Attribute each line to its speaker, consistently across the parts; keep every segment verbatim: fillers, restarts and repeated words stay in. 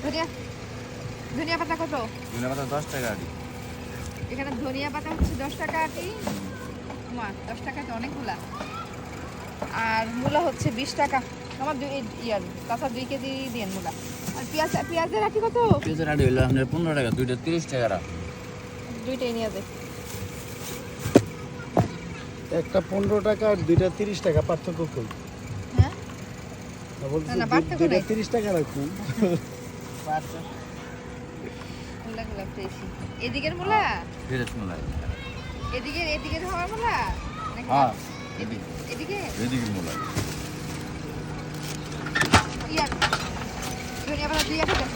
Speaker 1: ধনিয়া ধনিয়া পাতা কত?
Speaker 2: ধনিয়া পাতা দশ টাকা আটি।
Speaker 1: এখানে ধনিয়া পাতা হচ্ছে দশ টাকা আটি। মা দশ টাকা তো অনেকগুলা। আর মূলা হচ্ছে বিশ টাকা। আমার দুই ইয়ার তাছাড়া দুই কেজি দিন মূলা। আর পেঁয়াজ পেঁয়াজের আটি কত?
Speaker 2: পেঁয়াজের আটি হইলো আপনার পনেরো টাকা, দুইটা তিরিশ টাকা।
Speaker 1: দুইটাই নিয়ে যাবে।
Speaker 3: একটা পনেরো টাকা আর দুইটা তিরিশ টাকা, পার্থক্য কই?
Speaker 1: হ্যাঁ
Speaker 3: না বলছি
Speaker 1: না, না, পার্থক্য
Speaker 3: দুইটা
Speaker 1: নাই।
Speaker 3: তিরিশ টাকা রাখুন।
Speaker 1: মূলাগুলা ফ্রেশই। এদিকের মূলা?
Speaker 2: ফ্রেশ মূলা।
Speaker 1: এদিকে এদিকের হওয়ার মূলা? নাকি
Speaker 2: হ্যাঁ,
Speaker 1: এদিকে এদিকে
Speaker 2: এদিকের মূলা।
Speaker 1: ইয়ার ধনিয়া পাতা দুই টাকা।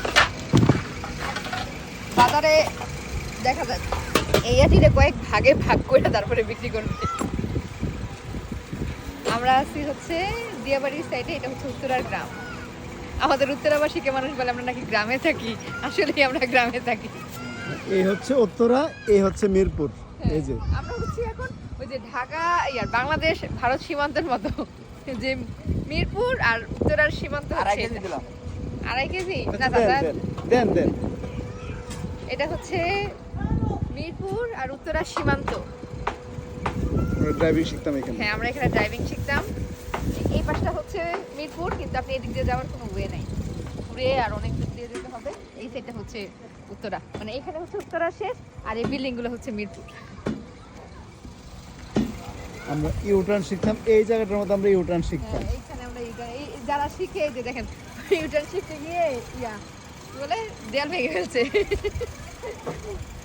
Speaker 1: বাজারে দেখা যায় এই আটিটা কয়েক ভাগে ভাগ করে তারপরে বিক্রি করবে। আমরা আছি হচ্ছে দিয়াবাড়ির সাইডে, এটা হচ্ছে উত্তরার গ্রাম। আমাদের উত্তরাবাসীকে মানুষ বলে আমরা নাকি গ্রামে থাকি, আসলেই আমরা গ্রামে থাকি।
Speaker 3: এই হচ্ছে উত্তরা, এই হচ্ছে মিরপুর। এই যে
Speaker 1: আমরা হচ্ছি এখন ওই যে ঢাকা ইয়ার বাংলাদেশ ভারত সীমান্তের মতো, যে মিরপুর আর উত্তরার সীমান্ত
Speaker 2: আড়াই
Speaker 1: হচ্ছে
Speaker 2: কেজি দিলাম।
Speaker 1: আড়াই কেজি না
Speaker 3: দেন
Speaker 1: দাদা,
Speaker 3: দেন দেন দেন।
Speaker 1: এটা হচ্ছে মিরপুর আর উত্তরার সীমান্ত।
Speaker 3: ড্রাইভিং শিখতাম এখানে।
Speaker 1: হ্যাঁ, আমরা এখানে ড্রাইভিং শিখতাম। এই পাশটা হচ্ছে মিরপুর, কিন্তু আপনি এদিক দিয়ে যাওয়ার কোনো ওয়ে নাই, ঘুরে আর অনেক দূর দিয়ে যেতে হবে। এই সাইডটা হচ্ছে উত্তরা, মানে এখানে হচ্ছে উত্তরা শেষ, আর এই বিল্ডিং গুলো হচ্ছে মিরপুর।
Speaker 3: আমরা ইউটার্ন শিখতাম এই জায়গাটার মধ্যে, আমরা ইউটার্ন শিখতাম।
Speaker 1: হ্যাঁ, এইখানে আমরা এই- এই যারা শিখে এই যে দেখেন ইউটার্ন শিখতে গিয়ে ইয়া কি বলে দেয়াল ভেঙে ফেলছে।